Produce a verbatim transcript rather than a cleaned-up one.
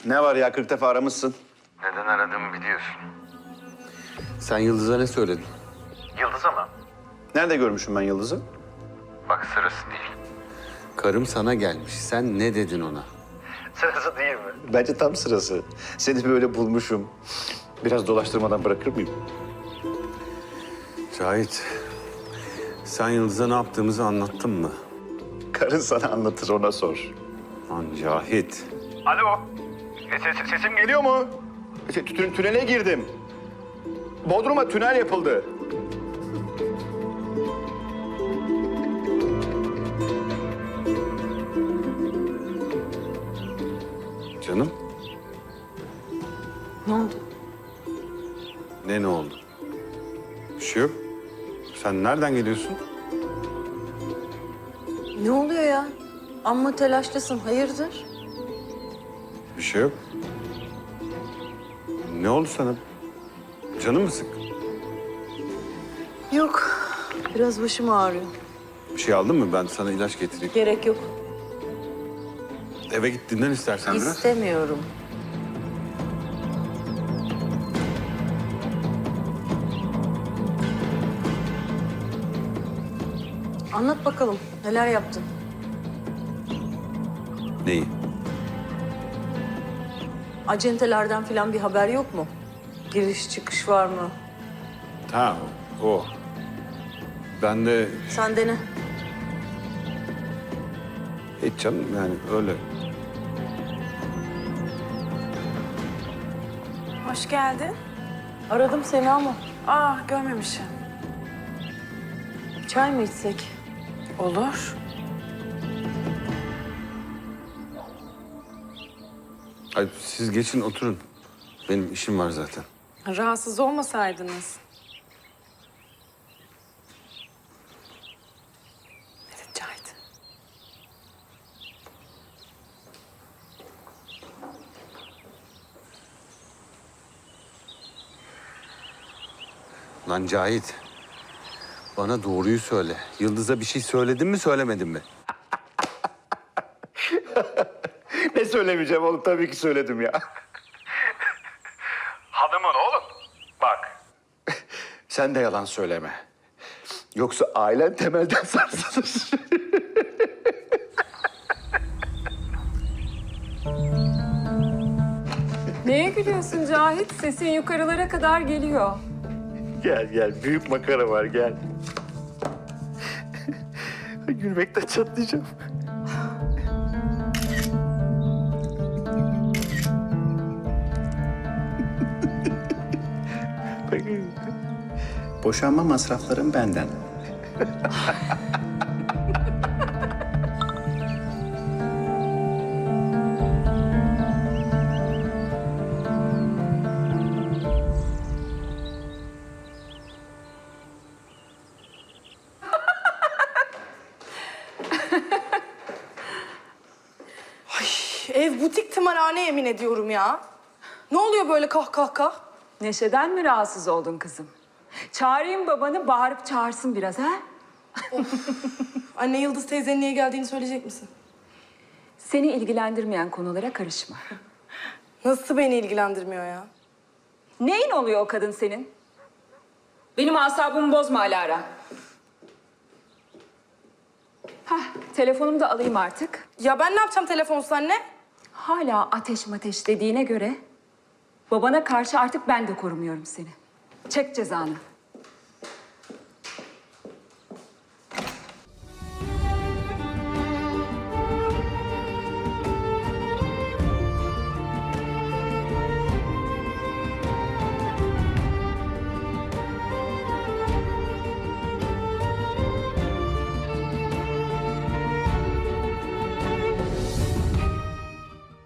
Ne var ya, kırk defa aramışsın. Neden aradığımı biliyorsun. Sen Yıldız'a ne söyledin? Yıldız'a mı? Nerede görmüşüm ben Yıldız'ı? Bak sırası değil. Karım sana gelmiş. Sen ne dedin ona? Sırası değil mi? Bence tam sırası. Seni böyle bulmuşum. Biraz dolaştırmadan bırakır mıyım? Cahit, sen Yıldız'a ne yaptığımızı anlattın mı? Karın sana anlatır, ona sor. Lan Cahit. Alo. E, ses, sesim geliyor mu? Şey, tü- tünele girdim. Bodrum'a tünel yapıldı. Canım, Ne oldu? ne ne oldu? Bir şey yok. Sen nereden geliyorsun? Ne oluyor ya? Amma telaşlısın. Hayırdır? Bir şey yok. Ne oldu sana? Canın mı sık? Yok. Biraz başım ağrıyor. Bir şey aldın mı? Ben sana ilaç getireyim. Gerek yok. Eve git dinlen istersen biraz. İstemiyorum. Anlat bakalım. Neler yaptın? Neyi? Acentelerden falan bir haber yok mu? Giriş çıkış var mı? Ha, o. Ben de Sen de ne? hiç canım yani öyle. Hoş geldin. Aradım seni ama Aa, görmemişim. çay mı içsek? Olur. Ay, siz geçin oturun. Benim işim var zaten. Rahatsız olmasaydınız. Evet, Cahit. Lan Cahit. Bana doğruyu söyle. Yıldız'a bir şey söyledin mi söylemedin mi? Ne söylemeyeceğim oğlum, tabii ki söyledim ya. Hanımın oğlum. Bak. Sen de yalan söyleme. Yoksa ailen temelden sarsılır. Neye gülüyorsun Cahit? Sesin yukarılara kadar geliyor. Gel gel, büyük makara var, gel. Gülmekten çatlayacağım. Boşanma masraflarım benden. Ev butik tımarhane yemin ediyorum ya. Ne oluyor böyle kah kah kah? Neşeden mi rahatsız oldun kızım? Çağırayım babanı, bağırıp çağırsın biraz ha? Anne, Yıldız teyzenin niye geldiğini söyleyecek misin? Seni ilgilendirmeyen konulara karışma. Nasıl beni ilgilendirmiyor ya? Neyin oluyor o kadın senin? Benim asabımı bozma Alara. Hah, telefonumu da alayım artık. Ya ben ne yapacağım telefonsuz anne? Hala ateş mateş dediğine göre... babana karşı artık ben de korumuyorum seni. Çek cezanı.